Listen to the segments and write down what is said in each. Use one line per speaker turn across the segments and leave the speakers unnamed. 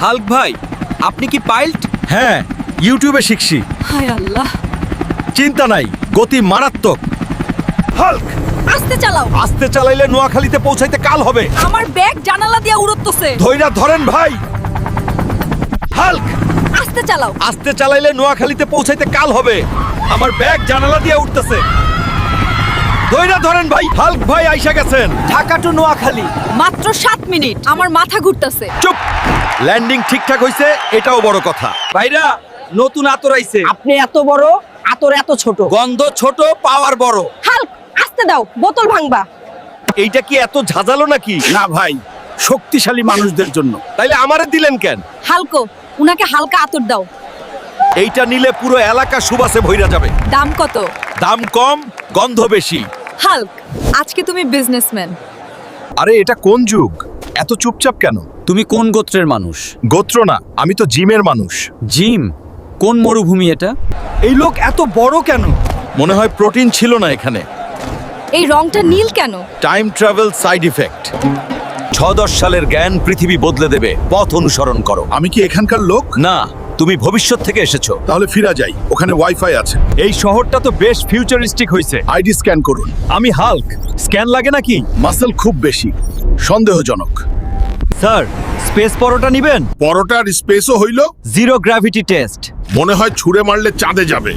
Hulk ভাই, আপনি কি পাইলট?
হ্যাঁ, ইউটিউবে শিখছি।
হায় আল্লাহ,
চিন্তা নাই, গতি মারাত্মক। হাল্ক,
আস্তে চালাও।
আস্তে চালাইলে নোয়াখালীতে পৌঁছাইতে কাল হবে।
আমার ব্যাগ জানালা দিয়ে উড়তেছে।
ধৈর্য ধরেন ভাই। হাল্ক,
আস্তে চালাও।
আস্তে চালাইলে নোয়াখালীতে পৌঁছাইতে কাল হবে। আমার ব্যাগ জানালা দিয়ে উঠতেছে। ধৈর্য ধরেন ভাই। হাল্ক ভাই আইসা গেছেন।
ঢাকা টু নোয়াখালী
মাত্র 7 মিনিট। আমার মাথা ঘুরতেছে।
চুপ। ল্যান্ডিং ঠিকঠাক হইছে, এটাও বড় কথা।
ভাইরা, নতুন আতর আইছে।
আপনি এত বড়, আতর এত ছোট।
গন্ধ ছোট, পাওয়ার বড়।
হাল্ক, আস্তে দাও, বোতল ভাঙবা।
এইটা কি এত ঝাঁঝালো নাকি?
না ভাই, শক্তিশালী মানুষদের জন্য।
তাইলে আমারে দিলেন কেন?
হালকো, উনাকে হালকা আতর দাও।
এইটা নিলে পুরো এলাকা সুবাসে ভইরা যাবে।
দাম কত?
দাম কম, গন্ধ বেশি।
হাল্ক, আজকে তুমি বিজনেসম্যান।
আরে এটা কোন যুগ? এত চুপচাপ কেন?
তুমি কোন গোত্রের মানুষ?
গোত্র না, আমি তো জিমের মানুষ।
জিম? কোন মরুভূমি এটা?
এই লোক এত বড় কেন? মনে হয় প্রোটিন ছিল না এখানে।
এই রংটা নীল কেন?
Time travel side effect. 6-10 সালের জ্ঞান পৃথিবী বদলে দেবে। পথ অনুসরণ করো।
আমি কি এখানকার লোক?
না, তুমি ভবিষ্যৎ থেকে এসেছো।
তাহলে ফিরা যাই, ওখানে ওয়াইফাই আছে।
এই শহরটা তো বেশ ফিউচারিস্টিক হইছে।
আইডি স্ক্যান করুন।
আমি হাল্ক, স্ক্যান লাগে নাকি?
মাসেল খুব বেশি, সন্দেহজনক।
স্যার, স্পেস পরোটা নিবেন?
পরোটার স্পেসও হইল।
Zero gravity test.
মনে হয় ছুঁড়ে মারলে চাঁদে যাবে।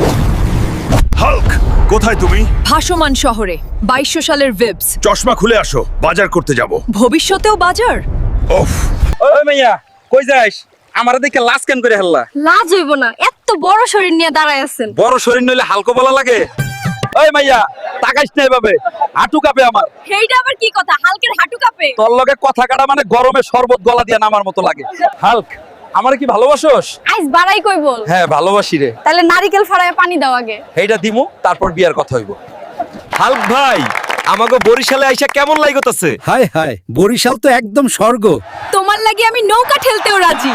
হাল্ক, কোথায় তুমি?
ভাসমান শহরে 2200 সালের ভিবস।
চশমা খুলে আসো, বাজার করতে যাব।
ভবিষ্যতেও বাজার?
ওফ,
ওই মাইয়া, কই যাস? আমারে দেখে লাশ কেন করে হাল্লা?
লাজ হইব না, এত বড় শরীর নিয়ে দাঁড়ায় আছেন।
বড় শরীর নইলে হালকা বলা লাগে? ওই মাইয়া, তাকাইস না এভাবে, হাঁটু কাঁপে আমার।
এইটা আবার কি কথা? হালকের হাঁটু কাঁপে?
তোর লগে কথা কাটা মানে গরমে শরবত গলা দিয়ে নামার মতো লাগে। হাল্ক, আমারে কি ভালোবাসোস?
আইস বাড়াই কই বল।
হ্যাঁ, ভালোবাসি রে।
তাহলে নারিকেল ফাড়ায় পানি দাও আগে।
এইটা দিমু, তারপর বিয়ার কথা হইব।
হাল্ক ভাই, আমাকে বরিশালে আইসা কেমন লাগতেছে?
হায় হায়, বরিশাল তো একদম স্বর্গ।
তোমার লাগি আমি নৌকা ঠেলতেও রাজি।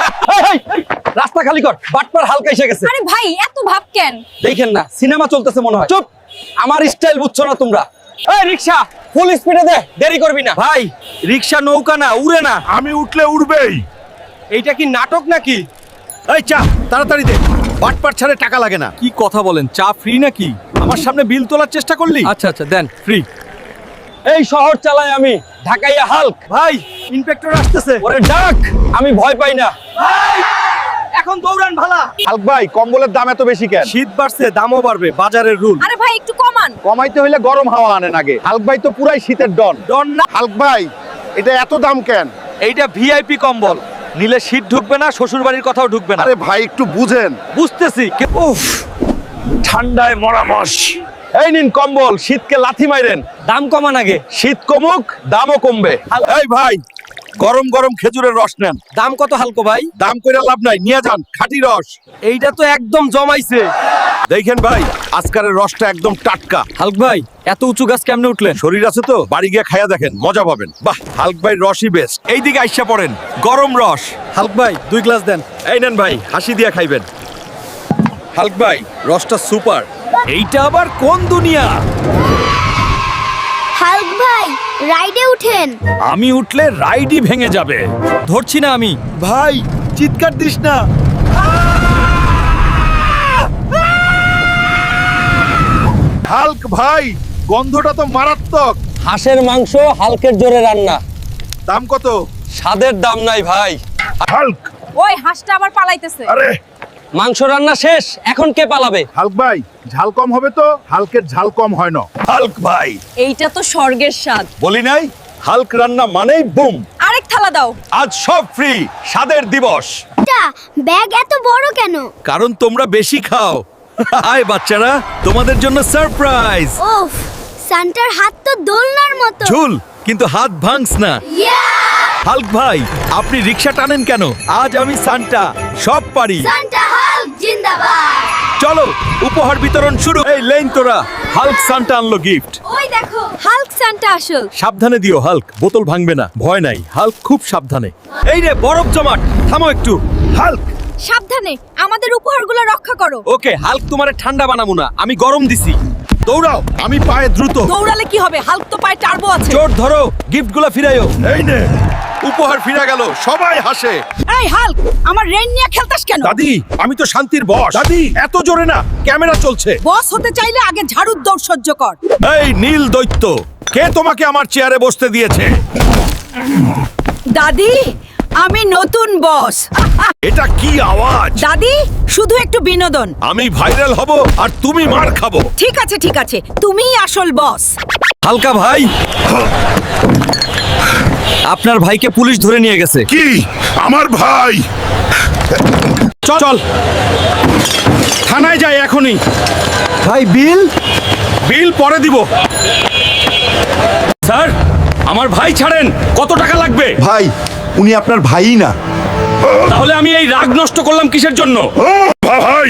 রাস্তা খালি কর, বাটপার হালকা এসে গেছে।
আরে ভাই, এত ভাব কেন?
দেখেন না, সিনেমা চলতেছে মনে হয়। চুপ, আমার স্টাইল বুঝছো না তোমরা। এই রিকশা, ফুল স্পিডে দে, দেরি করবি না।
ভাই, রিকশা নৌকা না, উড়ে না।
আমি উঠলে উঠবেই।
এইটা কি নাটক নাকি?
এই চা তাড়াতাড়ি দে। বাটপার ছাড়ে টাকা লাগে না।
কি কথা বলেন, চা ফ্রি নাকি?
আমার সামনে বিল তোলার চেষ্টা করলি?
আচ্ছা আচ্ছা, দেন, ফ্রি। এই শহর চালাই আমি, ঢাকাইয়া হাল্ক।
ভাই, ইন্সপেক্টর আসতেছে।
ওরে ডাক, আমি ভয় পাই না।
এখন দৌড়ান ভালা।
হাল্ক ভাই, কম্বলের দাম এত বেশি কেন?
শীত বাড়ছে, দামও বাড়বে, বাজারের রুল।
আরে ভাই, একটু কমান।
কমাইতে হইলে গরম হাওয়া আনেন আগে। হাল্ক ভাই তো পুরাই শীতের ডন।
ডন না,
হাল্ক ভাই, এটা এত দাম কেন?
এইটা ভিআইপি কম্বল। নিলে শীত ঢুকবে না, শ্বশুর বাড়ির কথাও ঢুকবে না।
আরে ভাই, একটু বুঝেন।
বুঝতেছি।
উফ, ঠান্ডায় মরামস। এই নিন কম্বল, শীতকে লাথি মাইরেন।
দাম কমান আগে।
শীত কমুক, দামও কমবে। এই ভাই, গরম গরম খেজুরের রস নেন।
দাম কত হালকো ভাই?
দাম কইরা লাভ নাই, নিয়ে যান খাঁটি রস।
এইটা তো একদম জমাইছে।
দেখেন ভাই, আজকারের রসটা একদম টাটকা।
হালক ভাই, এত উঁচু গাছ কেমনে উঠলেন?
শরীর আছে তো, বাড়ি গিয়ে খাইয়া দেখেন, মজা পাবেন। বাহ, হাল্ক ভাই রসই বেস্ট।
এইদিকে আইসা পড়েন, গরম রস।
হালক ভাই, 2 গ্লাস দেন।
এই নেন ভাই, হাসি দিয়া খাইবেন। হাল্ক ভাই, রসটা সুপার। এইটা আবার কোন দুনিয়া?
হাল্ক ভাই, রাইডে উঠেন।
আমি উঠলে রাইডই ভেঙে যাবে।
ধরছি না আমি।
ভাই, চিৎকার দিস না।
হাল্ক ভাই, গন্ধটা তো মারাত্মক।
হাঁসের মাংস হালকের জোরে রান্না।
দাম কত?
স্বাদের দাম নাই ভাই।
হাল্ক,
ওই হাঁসটা আবার পালাইতেছে।
আরে
মাংস রান্না শেষ, এখন কে পালাবে?
হাল্ক ভাই, ঝাল কম হবে তো? হাল্কের ঝাল কম হয় না।
হাল্ক ভাই,
এইটা তো স্বর্গের স্বাদ।
বলি নাই হাল্ক রান্না মানেই বুম।
আরেক থালা দাও।
আজ সব ফ্রি, স্বাদের দিবস।
ব্যাগ এত বড় কেন?
কারণ তোমরা বেশি খাও। আয় বাচ্চারা, তোমাদের জন্য সারপ্রাইজ।
ওফ, সান্টার হাত তো দোলনার মতো।
ঝুল, কিন্তু হাত ভাঙস না। হাল্ক ভাই, আপনি রিকশা টানেন কেন? আজ আমি সান্টা, সব পারি।
সান্টা হাল্ক জিন্দাবাদ।
চলো, উপহার বিতরণ শুরু। এই লেন তোরা, হাল্ক সান্টা আনলো গিফট।
ওই দেখো,
হাল্ক সান্টা আসল।
সাবধানে দিও হাল্ক, বোতল ভাঙবে না। ভয় নাই, হাল্ক খুব সাবধানে। এই রে বরফ জমাট, থামো একটু। হাল্ক,
সাবধানে, আমাদের উপহারগুলো রক্ষা করো।
ওকে হাল্ক, তোমারে ঠান্ডা বানাবো না, আমি গরম দিছি।
দৌড়াও, আমি পায়ে দ্রুত।
দৌড়ালে কি হবে? হাল্ক তো পায়ে টার্বো আছে।
চোট ধরো, গিফটগুলো ফিরাইও।
এই নে,
উপহার ফিরে গেল, সবাই হাসে।
এই হাল্ক আমার রেন নিয়ে খেলতাস কেন?
দাদি, আমি তো শান্তির বস। দাদি, এত জোরে না, ক্যামেরা চলছে।
বস হতে চাইলে আগে ঝাড়ুর দৌড় সহ্য কর।
এই নীল দৈত্য, কে তোমাকে আমার চেয়ারে বসতে দিয়েছে?
দাদি আমি নতুন বস।
এটা কি আওয়াজ?
দাদি শুধু একটু বিনোদন।
আমি ভাইরাল হব আর তুমি মার খাবো।
ঠিক আছে তুমিই আসল বস।
হালকা ভাই, আপনার ভাইকে পুলিশ ধরে নিয়ে গেছে।
কি? আমার ভাই? চল চল, থানায় যাই এখনই।
ভাই বিল?
বিল পরে দিব। স্যার, আমার ভাই ছাড়েন। কত টাকা লাগবে?
ভাই, উনি আপনার ভাইই না।
তাহলে আমি এই রাগ নষ্ট করলাম কিসের জন্য? ভাই,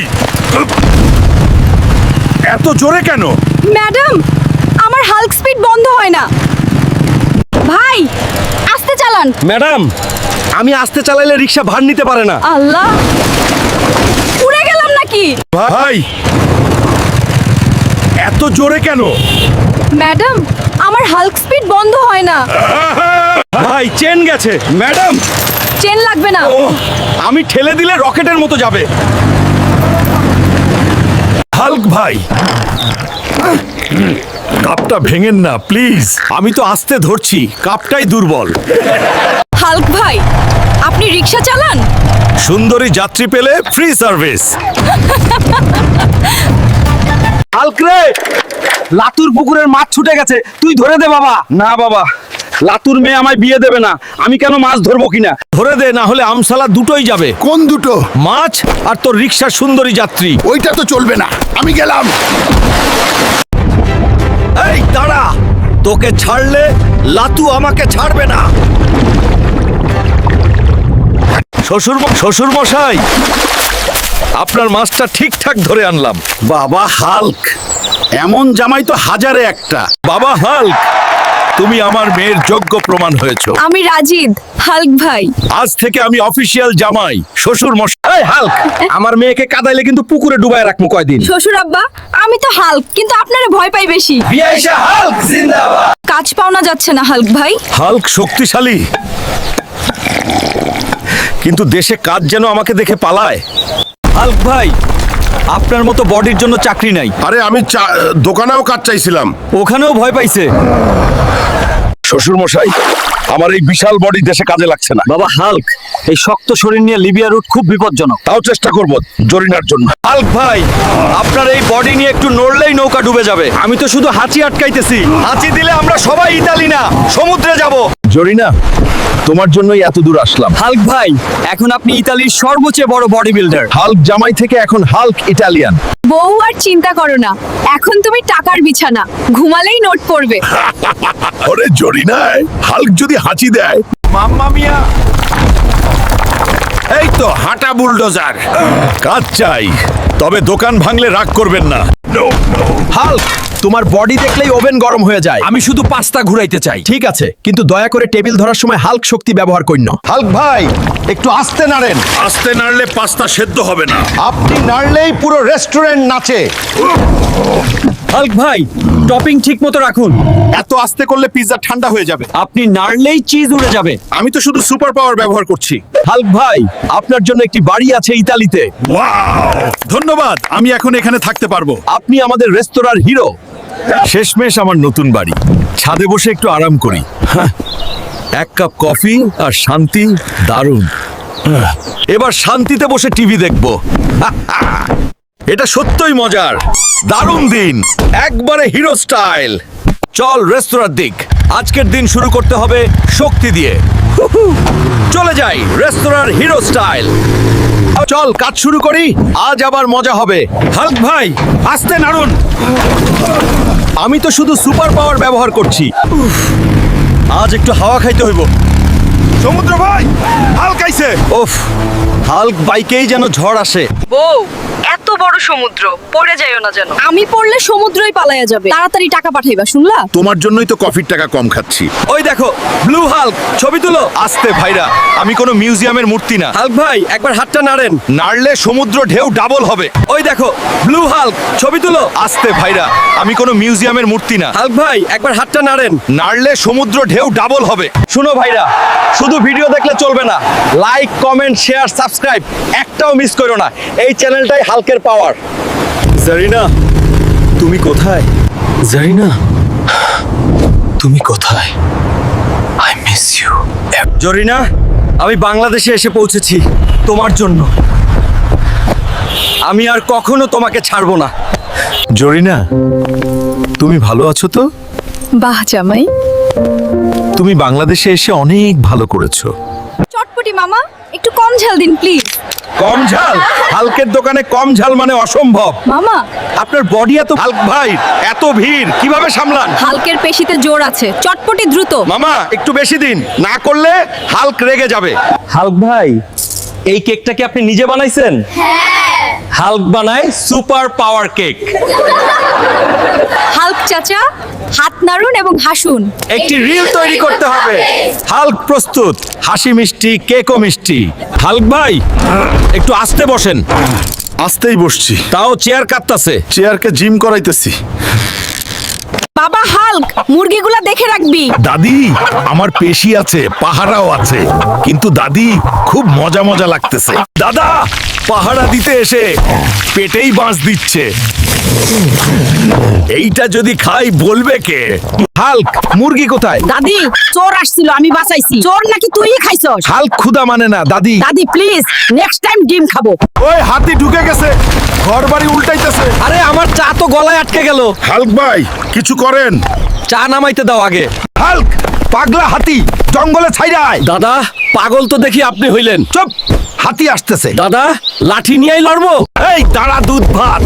এত জোরে কেন?
ম্যাডাম আমার হাল্ক স্পিড বন্ধ হয় না। ভাই আস্তে চালান।
ম্যাডাম, আমি আস্তে চালাইলে রিক্সা ভার নিতে পারে না।
আল্লাহ, উড়ে গেলাম নাকি?
ভাই, এত জোরে কেন?
ম্যাডাম আমার হাল্ক স্পিড বন্ধ হয় না।
ভাই, চেন গেছে। ম্যাডাম,
চেন লাগবে না।
আমি ঠেলে দিলে রকেটের মতো যাবে। হাল্ক ভাই, কাপটা ভেঙেন না প্লিজ। আমি তো আস্তে ধরছি, কাপটাই দুর্বল।
হাল্ক ভাই আপনি রিক্সা চালান?
সুন্দরী যাত্রী পেলে ফ্রি সার্ভিস।
হালক রে, লাতুর পুকুরের মাছ ছুটে গেছে, তুই ধরে দে বাবা। না বাবা, লাতুর মেয়ে আমায় বিয়ে দেবে না, আমি কেন মাছ ধরবো কিনা।
ধরে দে, না হলে আমসালা দুটোই যাবে।
কোন দুটো?
মাছ আর তোর রিক্সার সুন্দরী যাত্রী।
ওইটা তো চলবে না, আমি গেলাম।
এই দাঁড়া, তোকে ছাড়লে লাতু আমাকে ছাড়বে না। শ্বশুর মশাই, আপনার মাছটা ঠিকঠাক ধরে আনলাম।
বাবা হাল্ক, এমন জামাই তো হাজারে একটা।
বাবা হাল্ক, তুমি আমার মেয়ের যোগ্য প্রমাণ হয়েছো।
আমি রাজিদ। হাল্ক ভাই
আজ থেকে আমি অফিসিয়াল জামাই। শ্বশুর মশাই,
এই হালক, আমার মেয়েকে কাদাইলে কিন্তু পুকুরে ডুবায় রাখবো কয়দিন।
শ্বশুর আব্বা, আমি তো হাল্ক কিন্তু আপনারা ভয় পাই বেশি।
বিয়াইশা হালক জিন্দাবাদ।
কাজ পাওনা যাচ্ছে না হাল্ক ভাই।
হাল্ক শক্তিশালী, কিন্তু দেশে কাজ যেন আমাকে দেখে পালায়।
হালক ভাই, আপনার মতো বডির জন্য চাকরি নাই।
আরে আমি দোকানেও কাজ চাইছিলাম।
ওখানেও ভয় পাইছে।
শ্বশুর মশাই, আমার এই বিশাল বডি দেশে কাজে লাগছে না।
বাবা হালক, এই শক্ত শরীর নিয়ে লিবিয়া রুট খুব বিপজ্জনক।
তাও চেষ্টা করব জরিনার জন্য।
হালক ভাই, আপনার এই বডি নিয়ে একটু নড়লেই নৌকা ডুবে যাবে। আমি তো শুধু হাঁচি আটকাইতেছি। হাঁচি দিলে আমরা সবাই ইতালি না, সমুদ্রে যাব।
জরিনা, তোমার জন্যই এত দূর আসলাম।
হালক ভাই, এখন আপনি ইতালির সর্বোচ্চ বড় বডি বিল্ডার।
হাল্ক জামাই থেকে এখন হাল্ক ইটালিয়ান।
বউ আর চিন্তা করো না, এখন তুমি টাকার বিছানা, ঘুমালেই নোট পড়বে।
ওরে জরিনায়, হাল্ক যদি হাঁচি দেয়। মাম্মা মিয়া, এই তো হাঁটা বুলডোজার। কাজ চাই, তবে দোকান ভাঙলে রাগ করবেন না।
হালক, তোমার বডি দেখলেই ওভেন গরম হয়ে যায়। আমি শুধু পাস্তা ঘুরাইতে চাই। ঠিক আছে, কিন্তু দয়া করে টেবিল ধরার সময় হালক শক্তি ব্যবহার করিন।
হাল্ক ভাই, একটু আস্তে নাড়েন।
আস্তে নাড়লে পাস্তা সেদ্ধ হবে না।
আপনি নাড়লেই পুরো রেস্টুরেন্ট নাচে।
হালক ভাই, টপিং ঠিক মতো রাখুন।
এত আস্তে করলে পিৎজা ঠান্ডা হয়ে যাবে।
আপনি নাড়লেই চিজ উড়ে যাবে।
আমি তো শুধু সুপার পাওয়ার ব্যবহার করছি।
হালক ভাই, আপনার জন্য একটি বাড়ি আছে ইতালিতে।
ওয়াও, ধন্যবাদ। আমি এখন এখানে থাকতে পারবো।
আপনি আমাদের রেস্তোরাঁর হিরো।
শেষমেশ আমার নতুন বাড়ি। ছাদে বসে একটু আরাম করি। এক কাপ কফি আর শান্তি, দারুণ। এবার শান্তিতে বসে টিভি দেখবো। এটা সত্যই মজার। দারুণ দিন, একবারে হিরো স্টাইল। চল রেস্তোরাঁর দিক। আজকের দিন শুরু করতে হবে শক্তি দিয়ে। চলে যাই রেস্তোরাঁর হিরো স্টাইল। চল কাজ শুরু করি, আজ আবার মজা হবে। হাল্ক ভাই, আস্তে নাড়ুন। আমি তো শুধু সুপার পাওয়ার ব্যবহার করছি। আজ একটু হাওয়া খাইতে হইব। সমুদ্র ভাই, হাল্ক আইছে। ওফ, হাল্ক বাইকেই যেন ঝড় আসে।
বউ এত বড় সমুদ্র পড়ে যাইও না যেন। আমি পড়লে সমুদ্রই পালায়া যাবে। তাড়াতাড়ি টাকা পাঠাইবা, শুনলা?
তোমার জন্যই তো কফির টাকা কম খাচ্ছি।
ওই দেখো ব্লু হাল্ক, ছবি তুলো।
আস্তে ভাইরা, আমি কোনো মিউজিয়ামের মূর্তি না।
হাল্ক ভাই একবার হাতটা নাড়েন।
নাড়লে সমুদ্র ঢেউ ডাবল হবে।
ওই দেখো ব্লু হাল্ক, ছবি তুলো।
আস্তে ভাইরা, আমি কোনো মিউজিয়ামের মূর্তি না।
হাল্ক ভাই একবার হাতটা নাড়েন।
নাড়লে সমুদ্র ঢেউ ডাবল হবে।
শুনো ভাইরা, শুধু ভিডিও দেখলে চলবে না, লাইক কমেন্ট শেয়ার সাবস্ক্রাইব একটাও মিস করো না। এই চ্যানেলটাই হাল্কের পাওয়ার।
জারিনা, তুমি কোথায়? জারিনা, তুমি কোথায়? I miss you.
জরিনা, আমি বাংলাদেশে এসে পৌঁছেছি তোমার জন্য। আমি আর কখনো তোমাকে ছাড়বো না।
জরিনা, তুমি ভালো আছো তো?
বাহ জামাই।
তুমি বাংলাদেশে এসে অনেক ভালো করেছো।
চটপটি মামা, একটু কম ঝাল দিন প্লিজ।
কম ঝাল? হাল্কের দোকানে কম ঝাল মানে অসম্ভব।
মামা,
আপনার বডি এত।
হাল্ক ভাই, এত ভিড় কিভাবে সামলান?
হালকের পেশিতে জোর আছে, চটপটি দ্রুত।
মামা একটু বেশি দিন, না করলে হাল্ক রেগে যাবে।
হাল্ক ভাই, এই কেকটা কি আপনি নিজে বানাইছেন? হাল্ক বানায় সুপার পাওয়ার কেক।
হাল্ক চাচা, হাত নাড়ুন এবং হাসুন।
একটি রিল তৈরি করতে হবে।
হাল্ক প্রস্তুত, হাসি মিষ্টি, কেকও মিষ্টি।
হাল্ক ভাই একটু আস্তে বসেন।
আস্তেই বসছি,
তাও চেয়ার কাঁপতাছে।
চেয়ারকে জিম করাইতেছি।
বাবা হাল্ক, মুরগিগুলা দেখে রাখবি।
দাদি, আমার পেশি আছে, পাহারাও আছে, কিন্তু দাদি খুব মজা মজা লাগতেছে। দাদা পাহারা দিতে এসে পেটেই বাঁশ দিচ্ছে। এইটা যদি খাই বলবে কে?
হাল্ক, মুরগি কোথায়?
দাদি, চোর আসছিল, আমি বাঁচাইছি। চোর নাকি তুই খাইছস?
হাল্ক ক্ষুধা মানে না দাদি।
দাদি প্লিজ, নেক্সট টাইম ডিম খাবো।
ওই হাতি ঢুকে গেছে, ঘর বাড়ি উল্টাইতেছে।
আরে আমার চা তো গলায় আটকে গেল।
হাল্ক ভাই কিছু করেন।
চা নামাইতে দাও আগে।
হাল্ক, পাগলা হাতি জঙ্গলে ছাইরায়।
দাদা, পাগল তো দেখি আপনি হইলেন।
চুপ, হাতি আসতেছে।
দাদা, লাঠি নিয়েই লড়বো?
এই দাঁড়া, দুধ ভাত।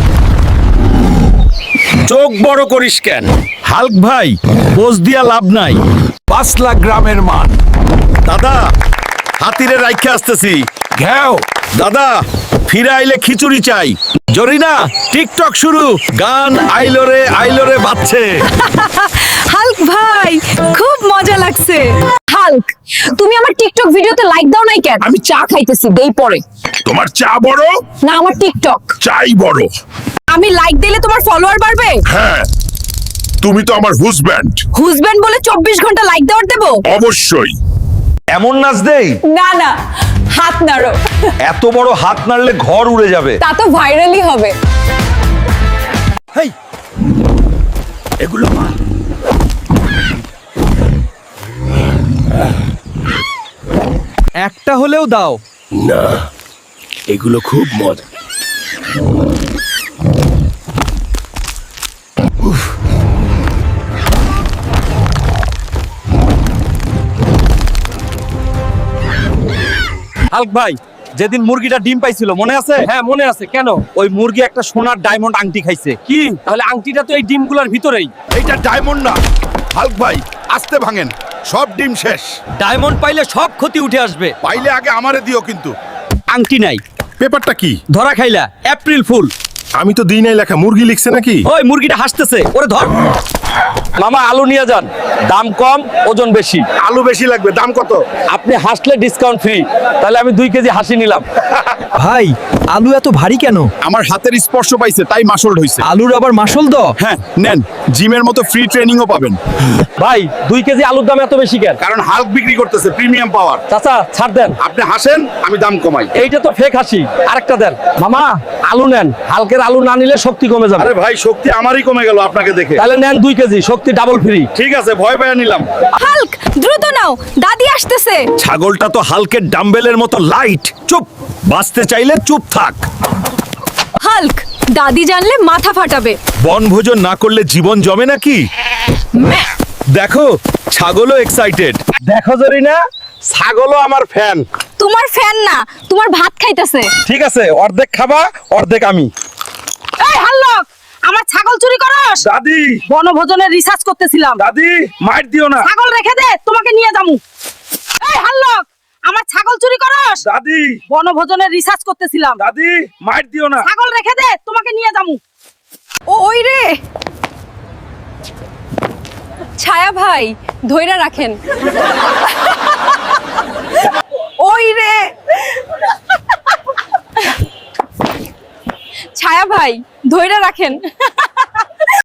চোখ বড় করিস কেন?
হাল্ক ভাই, পোজ দিয়া লাভ নাই। 5 লাখ গ্রামের মান। দাদা, হাতিরে রাইখে আসতেছি। ঘেও দাদা, ফিরে আইলে খিচুড়ি চাই। জরিনা, টিকটক শুরু। গান আইলো রে বাজছে।
হাল্ক ভাই, খুব মজা লাগছে। হাল্ক, তুমি আমার টিকটক ভিডিওতে লাইক দাও নাই কেন? আমি চা খাইতেছি, দেই পরে।
তোমার চা বড়,
না, আমার টিকটক।
চাই বড়।
আমি লাইক দিলে তোমার ফলোয়ার বাড়বে?
হ্যাঁ, তুমি তো আমার হুজব্যান্ড।
হুজব্যান্ড বলে 24 ঘন্টা লাইক দেওয়ার দেবো?
অবশ্যই।
এমন নাচ দেই?
না না, হাত নাড়ো।
এত বড় হাত নাড়লে ঘর উড়ে যাবে।
তা তো ভাইরালই হবে।
হেই, এগুলো মার।
একটা হলেও দাও।
না, এগুলো খুব মজা।
হাল্ক ভাই, যেদিন মুরগিটা ডিম পাইছিল মনে আছে?
হ্যাঁ মনে আছে, কেন?
ওই মুরগি একটা সোনার ডায়মন্ড আংটি খাইছে।
কি তাহলে আংটিটা তো এই ডিমগুলোর ভিতরেই।
এইটা ডায়মন্ড না। হাল্ক ভাই, আস্তে ভাঙেন, সব ডিম শেষ।
ডায়মন্ড পাইলে সব ক্ষতি উঠে আসবে।
পাইলে আগে আমারে দিও কিন্তু।
আংটি নাই,
পেপারটা কি?
ধরা খাইলা। April fool.
আমি তো দিই নাই লেখা, মুরগি লিখছে নাকি?
ওই মুরগিটা হাসতেছে, ওরে ধর। মামা, আলু নিয়ে যান, দাম কম, ওজন বেশি।
আলু বেশি লাগবে, দাম কত?
আপনি হাসলে ডিসকাউন্ট ফ্রি। তাহলে আমি 2 কেজি হাসি নিলাম।
ভাই, আলু এত ভারী কেন?
আমার হাতের স্পর্শ পাইছে, তাই মাসল হইছে।
আলুর আবার মাসল দ?
হ্যাঁ নেন, জিমের মতো ফ্রি ট্রেনিংও পাবেন।
ভাই, 2 কেজি আলুর দাম এত বেশি কেন?
কারণ হাল্ক বিক্রি করতেছে প্রিমিয়াম পাওয়ার।
চাচা ছাড় দেন।
আপনি হাসেন, আমি দাম কমাই।
এইটা তো ফেক হাসি, আরেকটা দেন। মামা, আলু নেন, হালকের আলু না নিলে শক্তি কমে যাবে।
আরে ভাই, শক্তি আমারই কমে গেল আপনাকে দেখে।
তাহলে নেন 2 কেজি, শক্তি ডাবল ফ্রি।
ঠিক আছে, ভয় পেয়ে নিলাম।
হাল্ক, দ্রুত নাও, দাদি আসতেছে।
ছাগলটা তো হাল্কের ডাম্বেলের মতো লাইট। চুপ, বাঁচতে চাইলে চুপ থাক।
হাল্ক, দাদি জানলে মাথা ফাটাবে।
বনভোজন না করলে জীবন জমে নাকি? দেখো, ছাগলও এক্সাইটেড।
দেখো জরিনা, ছাগলও আমার ফ্যান।
তোমার ফ্যান না, তোমার ভাত খাইতেছে।
ঠিক আছে, অর্ধেক খাবা, অর্ধেক আমি।
এই হাল্ক, আমার ছাগল চুরি করস?
দাদি,
বনভোজনের রিসার্চ করতেছিলাম।
দাদি মাইর দিও না।
ছাগল রেখে দে, তোমাকে নিয়ে যামু। এই হাল্ক, আমার ছাগল চুরি করস?
দাদি
বনভোজনের রিসার্চ করতেছিলাম।
দাদি মাইর দিও না।
ছাগল রেখে দে, তোমাকে নিয়ে যামু।
ওই রে ছায়া ভাই ধইরা রাখেন। ওই রে ছায়া ভাই ধইরা রাখেন।